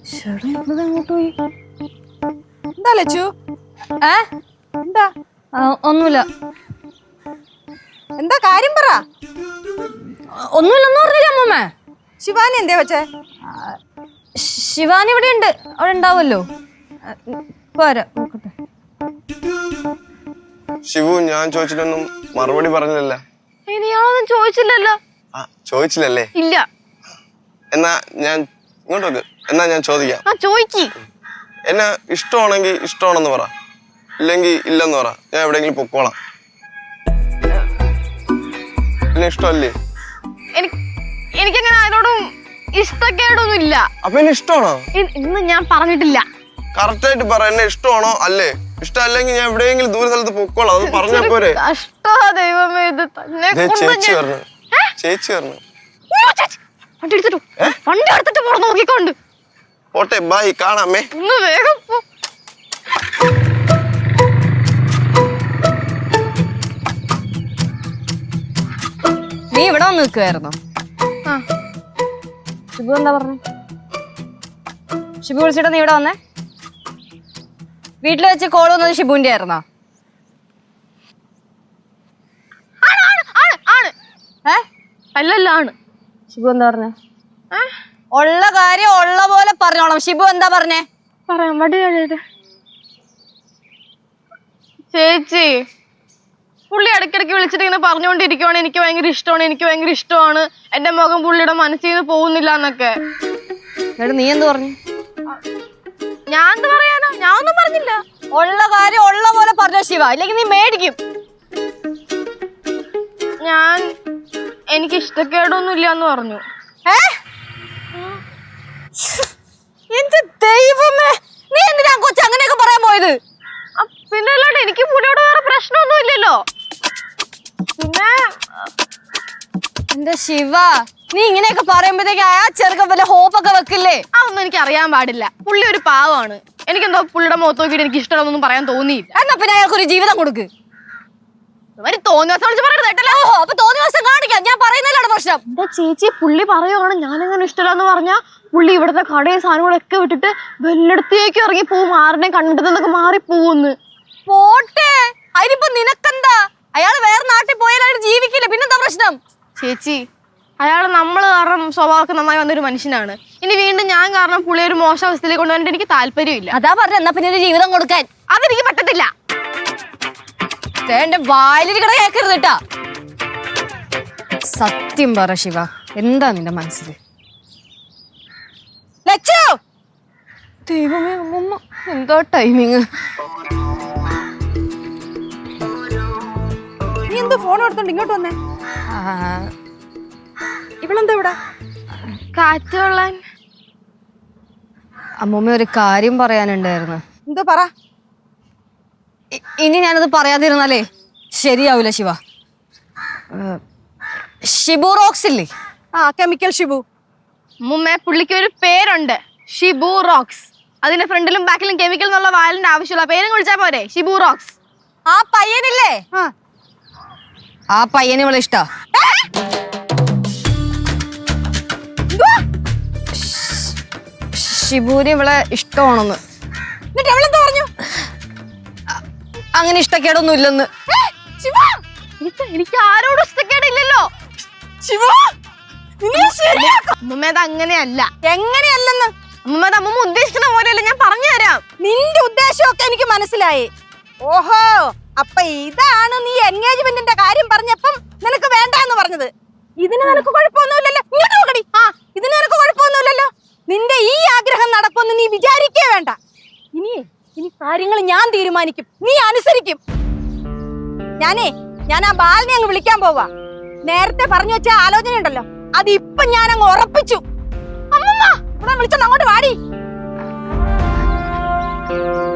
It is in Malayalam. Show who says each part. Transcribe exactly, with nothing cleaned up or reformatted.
Speaker 1: അങ്ങോട്ട് പോയി.
Speaker 2: എന്താ ലച്ചു?
Speaker 1: ഏ
Speaker 2: എന്താ?
Speaker 1: ഒന്നുമില്ല.
Speaker 2: എന്താ കാര്യം പറ.
Speaker 1: ഒന്നുമില്ലെന്ന് പറഞ്ഞില്ല അമ്മൂമ്മ.
Speaker 2: ശിവാനി എന്തേ വെച്ചേ?
Speaker 1: ശിവാനി ഇവിടെ ഉണ്ട്, അവിടെ ഉണ്ടാവുമല്ലോ. പോരാ നോക്കട്ടെ.
Speaker 3: ശിവു ഞാൻ ചോദിച്ചിട്ടൊന്നും മറുപടി പറഞ്ഞില്ലല്ലോ.
Speaker 1: ഇനിയാളൊന്നും ചോദിച്ചില്ലല്ലോ.
Speaker 3: ആ ചോദിച്ചില്ലല്ലേ?
Speaker 1: ഇല്ല.
Speaker 3: എന്നാ ഞാൻ ഇങ്ങോട്ട് വെക്ക്. എന്നാ ഞാൻ ചോദിക്കാം.
Speaker 1: ആ ചോദിക്ക്.
Speaker 3: എന്നാ ഇഷ്ടമാണെങ്കിൽ ഇഷ്ടമാണെന്ന് പറ, ഇല്ലെങ്കിൽ ഇല്ലെന്ന് പറ. ഞാൻ എവിടെയെങ്കിലും പൊക്കോളാം. എന്നെ ഇഷ്ടമല്ലേ?
Speaker 1: എനിക്കങ്ങനെ ആരോടും ഇഷ്ടക്കേടൊന്നും ഇല്ല.
Speaker 3: അപ്പൊ എന്നെ ഇഷ്ടമാണോ?
Speaker 1: ഇന്ന് ഞാൻ പറഞ്ഞിട്ടില്ല.
Speaker 3: കറക്റ്റ് ആയിട്ട് പറ, എന്നെ ഇഷ്ടമാണോ അല്ലേ? ഇഷ്ടമല്ലെങ്കിൽ ഞാൻ എവിടെയെങ്കിലും ദൂര സ്ഥലത്ത് പൊക്കോളാം. അത് പറഞ്ഞാ പോരെ?
Speaker 1: ദൈവമേ, ഇത് തന്നെ
Speaker 3: ചേച്ചി പറഞ്ഞു, ചേച്ചി പറഞ്ഞു.
Speaker 1: വണ്ടി എടുത്തിട്ടു, വണ്ടി എടുത്തിട്ട് പോണം നോക്കിക്കൊണ്ട്.
Speaker 3: പോട്ടെ, ബൈ, കാണാമേ.
Speaker 1: ഒന്ന് വേഗം പോ. നീ ഇവിടെ വന്ന് നിൽക്കുവായിരുന്നോ? ഷിബു എന്താ പറഞ്ഞു? ഷിബു വിളിച്ചിട്ട് നീ ഇവിടെ വന്നേ? വീട്ടിൽ വെച്ച് കോൾ വന്നത് ഷിബുവിന്റെ ആയിരുന്നോ? അല്ലല്ല ആണ്. ഷിബു എന്താ പറഞ്ഞേ? ഉള്ള കാര്യം ഉള്ള പോലെ പറഞ്ഞോളാം. ഷിബു എന്താ പറഞ്ഞേ? പറയാം. വടി ചേച്ചി, പുള്ളി ഇടയ്ക്കിടയ്ക്ക് വിളിച്ചിട്ട് ഇങ്ങനെ പറഞ്ഞുകൊണ്ടിരിക്കുവാണ് എനിക്ക് ഭയങ്കര ഇഷ്ടമാണ്, എനിക്ക് ഭയങ്കര ഇഷ്ടമാണ്, എന്റെ മുഖം പുള്ളിയുടെ മനസ്സിൽ നിന്ന് പോകുന്നില്ല എന്നൊക്കെ. നീ എന്ത് പറഞ്ഞു? ഞാൻ എന്ത് പറയാനാ? ഞാൻ ഒന്നും പറഞ്ഞില്ല. ഉള്ള കാര്യം ഉള്ള പോലെ പറഞ്ഞോ ശിവ, ഇല്ലെങ്കിൽ നീ മേടിക്കും. ഞാൻ എനിക്ക് ഇഷ്ടക്കേടൊന്നും ഇല്ല എന്ന് പറഞ്ഞു. എന്റെ ദൈവമേ, നീ എന്തിനാ കൊച്ചു അങ്ങനെയൊക്കെ പറയാൻ പോയത്? പിന്നെ അല്ലാണ്ട് എനിക്ക് പുള്ളിയോട് വേറെ പ്രശ്നമൊന്നും ഇല്ലല്ലോ. പിന്നെ എന്റെ ശിവ, നീ ഇങ്ങനെയൊക്കെ പറയുമ്പോഴത്തേക്ക് ആ ചെറുക്കൻ വല്ല ഹോപ്പൊക്കെ വെക്കില്ലേ? അതൊന്നും എനിക്ക് അറിയാൻ പാടില്ല. പുള്ളി ഒരു പാവമാണ്. എനിക്കെന്തോ പുള്ളിയുടെ മുഖത്ത് നോക്കിയിട്ട് എനിക്ക് ഇഷ്ടമാണെന്നൊന്നും പറയാൻ തോന്നിയില്ല. എന്നാ പിന്നെ അയാൾക്കൊരു ജീവിതം കൊടുക്ക്. തോന്നിയ ദിവസം വിളിച്ച് പറയരുത് കേട്ടല്ലോ. അപ്പൊ തോന്നിയ ദിവസം കാണിക്കാം. ഞാൻ പറയുന്നതിലാണ് പ്രശ്നം. എന്റെ ചേച്ചി, പുള്ളി പറയുവാണ് ഞാനെങ്ങനെ ഇഷ്ടമല്ലെന്ന് പറഞ്ഞാ പുള്ളി ഇവിടുത്തെ കടയും സാധനങ്ങളൊക്കെ വിട്ടിട്ട് വെല്ലടത്തേക്ക് ഇറങ്ങി പോവും. ആരുടെ കണ്ടിട്ട് നിന്നൊക്കെ മാറി പോവുന്ന്. പോട്ടെ, അതിനിപ്പോ നിനക്കെന്താ? അയാൾ വേറെ നാട്ടിൽ പോയാൽ അയാൾ ജീവിക്കില്ല, പിന്നെന്താ പ്രശ്നം? ചേച്ചി, അയാൾ നമ്മൾ കാരണം സ്വഭാവമൊക്കെ നന്നായി വന്നൊരു മനുഷ്യനാണ്. ഇനി വീണ്ടും ഞാൻ കാരണം പുള്ളി ഒരു മോശം അവസ്ഥയിലേക്ക് കൊണ്ടുവന്നിട്ട് എനിക്ക് താല്പര്യമില്ല. അതാ പറഞ്ഞ, എന്നാ പിന്നെ ഒരു ജീവിതം കൊടുക്കാൻ. അതെനിക്ക് പറ്റത്തില്ല. എന്റെ വായിലിരിക്കണ കേക്കരുത് കേട്ടാ. സത്യം പറ ശിവ, എന്താ നിന്റെ മനസ്സില്? ദൈവമേ, അമ്മമ്മ എന്തോ ടൈമിങ്.
Speaker 2: നീ എന്തോ ഫോൺ എടുത്തോണ്ട് ഇങ്ങോട്ട് വന്നേ? ഇവളെന്താ ഇവിടെ?
Speaker 1: കാറ്റ് കൊള്ളാൻ. അമ്മൂമ്മ ഒരു കാര്യം പറയാനുണ്ടായിരുന്നു.
Speaker 2: എന്തോ പറ.
Speaker 1: ഇനി ഞാനത് പറയാതിരുന്നാലേ ശരിയാവൂല ശിവ. ഷിബു റോക്സ് ഇല്ലേ?
Speaker 2: ആ, കെമിക്കൽ ഷിബു.
Speaker 1: അമ്മൂമ്മ, പുള്ളിക്ക് ഒരു പേരുണ്ട്, ഷിബു റോക്സ്. അതിന്റെ ഫ്രണ്ടിലും ബാക്കിലും കെമിക്കൽ എന്നുള്ള വാലിന്റെ ആവശ്യമുള്ള പേരും വിളിച്ചാ പോരെ, ഷിബു റോക്സ്. ആ പയ്യനില്ലേ, ആ പയ്യന് ഇവളെ ഇഷ്ടാ. ഷിബുവിന് ഇവളെ ഇഷ്ടമാണെന്ന്.
Speaker 2: എന്നിട്ട് അവളെന്താ പറഞ്ഞു?
Speaker 1: അങ്ങനെ ഇഷ്ടക്കേടൊന്നും ഇല്ലെന്ന്. എനിക്ക് ആരോടും ഇഷ്ടക്കേടില്ലല്ലോ. അമ്മമ്മ, അത് അങ്ങനെയല്ല.
Speaker 2: എങ്ങനെയല്ലെന്ന്?
Speaker 1: അമ്മമ്മ, അത് അമ്മമ്മ ഉദ്ദേശിക്കുന്ന പോലെയല്ല, ഞാൻ പറഞ്ഞു തരാം.
Speaker 2: നിന്റെ ഉദ്ദേശമൊക്കെ എനിക്ക് മനസ്സിലായി. ഓഹോ, അപ്പൊ ഇതാണ് നീ എൻഗേജ്മെന്റിന്റെ കാര്യം പറഞ്ഞപ്പം നിനക്ക് വേണ്ടെന്ന് പറഞ്ഞത്. ഇതിന് നിനക്ക് കുഴപ്പമൊന്നുമില്ലല്ലോ. ഇങ്ങോട്ട് നോക്കടി. ആ, ഇതിന് നിനക്ക് കുഴപ്പമൊന്നുമില്ലല്ലോ. നിന്റെ ഈ ആഗ്രഹം നടക്കുമെന്ന് നീ വിചാരിക്കേ വേണ്ട. ഇനി ഇനി കാര്യങ്ങൾ ഞാൻ തീരുമാനിക്കും, നീ അനുസരിക്കും. ഞാനേ ഞാൻ ആ ബാലിനെ അങ്ങ് വിളിക്കാൻ പോവാ. നേരത്തെ പറഞ്ഞു വെച്ച ആലോചന ഉണ്ടല്ലോ, അത് ഇപ്പൊ ഞാൻ അങ്ങ് ഉറപ്പിച്ചു. അമ്മമ്മ, ഇവിടെ വിളിച്ചോണ്ട് അങ്ങോട്ട് വാടി.